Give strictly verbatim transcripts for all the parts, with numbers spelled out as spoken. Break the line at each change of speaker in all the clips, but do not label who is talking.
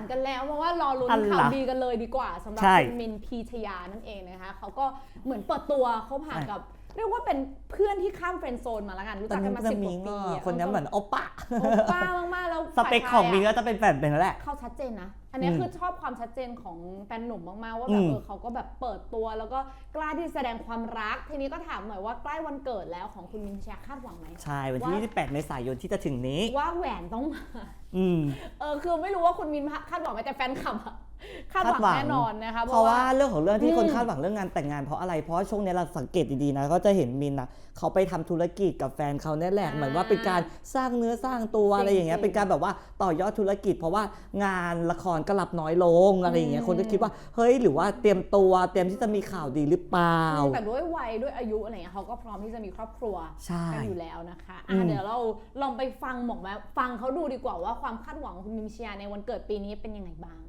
านกันแล้วเพราะว่ารอลุ้นข่าวดีกันเลยดีกว่าสำหรับคุณมินพีชยานั่นเองนะคะเขาก็เหมือนเปิดตัวเขาผ่านกับเรียกว่าเป็นเพื่อนที่ข้ามเฟรนด์โซนมาแล้วกันรู้จักกันมาสิบกว่าปี
คนนี้เหมือนโอป้า
โอป้ามากๆแล้ว
สเปคของมินก็จะเป็นแบบนั้นแหละ
เขาชัดเจนนะอันนี้คือชอบความชัดเจนของแฟนหนุ่มมากๆว่าแบบเออเขาก็แบบเปิดตัวแล้วก็กล้าที่แสดงความรักทีนี้ก็ถามหน่อยว่าใกล้วันเกิดแล้วของคุณมินพีชยาคาดหวังไหม
ใช่วันที่ยี่สิบแปดเมษายนที่จะถึงนี้
ว่าแหวนต้องมา
อืม
เออคือไม่รู้ว่าคุณมินคาดหวังไหมแต่แฟนคลับคาดหวังแน่นอนนะคะ
เพราะว่าเรื่องของเรื่องที่คนคาดหวังเรื่องงานแต่งงานเพราะอะไรเพราะช่วงนี้เราสังเกตดีๆนะก็จะเห็นมินนะเขาไปทำธุรกิจกับแฟนเขาเนี่ยแหละเหมือนว่าเป็นการสร้างเนื้อสร้างตัวอะไรอย่างเงี้ยเป็นการแบบว่าต่อยอดธุรกิจเพราะว่างานละครก็รับน้อยลงอะไรอย่างเงี้ยคนก็คิดว่าเฮ้ยหรือว่าเตรียมตัวเตรียมที่จะมีข่าวดีหรือเปล่า
แต่ด้วยวัยด้วยอายุอะไรเงี้ยเขาก็พร้อมที่จะมีครอบครัวกันอยู่แล้วนะคะเดี๋ยวเราลองไปฟังหมอกแม้ฟังเขาดูดีกว่าว่าความคาดหวังของคุณมินพีชยาในวันเกิดปีนี้เป็นยังไงบ้าง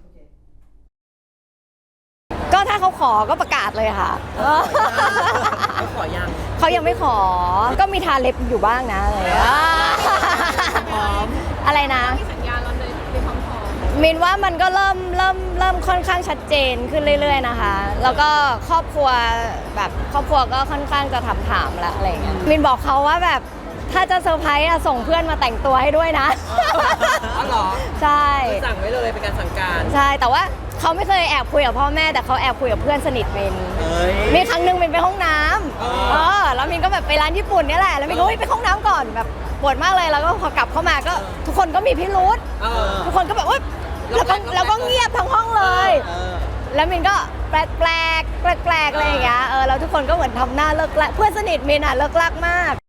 ก็ถ้าเขาขอก็ประกาศเลยค่ะ
เขาขอยัง
เขายังไม่ขอก็มีทาเล็บอยู่บ้างนะอะไร
พร้อม
อะไรนะ
มีสัญญาณเราเลยมีความพร้อม
มินว่ามันก็เริ่มเริ่มเริ่มค่อนข้างชัดเจนขึ้นเรื่อยๆนะคะแล้วก็ครอบครัวแบบครอบครัวก็ค่อนข้างจะถามถามแล้วอะไรเงี้ยมินบอกเขาว่าแบบถ้าจะเซอร์ไพรส์ส่งเพื่อนมาแต่งตัวให้ด้วยนะ
อ๋อเหรอ
ใช่
สั่งไว้เลยเป็นการสั่งการ
ใช่แต่ว่าเขาไม่เคยแอบคุยกับพ่อแม่แต่เขาแอบคุยกับเพื่อนสนิทมินมีครั้งหนึ่งมินไปห้องน้ำเออแล้วมินก็แบบไปร้านญี่ปุ่นนี่แหละแล้วมินก็ไปห้องน้ำก่อนแบบปวดมากเลยแล้วก็พอกลับเข้ามาก็ทุกคนก็มีพิรุธทุกคนก็แบบว่าแล้วก็แล้วก็เงียบทั้งห้องเลยแล้วมินก็แปลกแปลกแปลกแปลกอะไรอย่างเงี้ยเออแล้วทุกคนก็เหมือนทำหน้าเลิกลักเพื่อนสนิทมินอ่ะเลิกลักมาก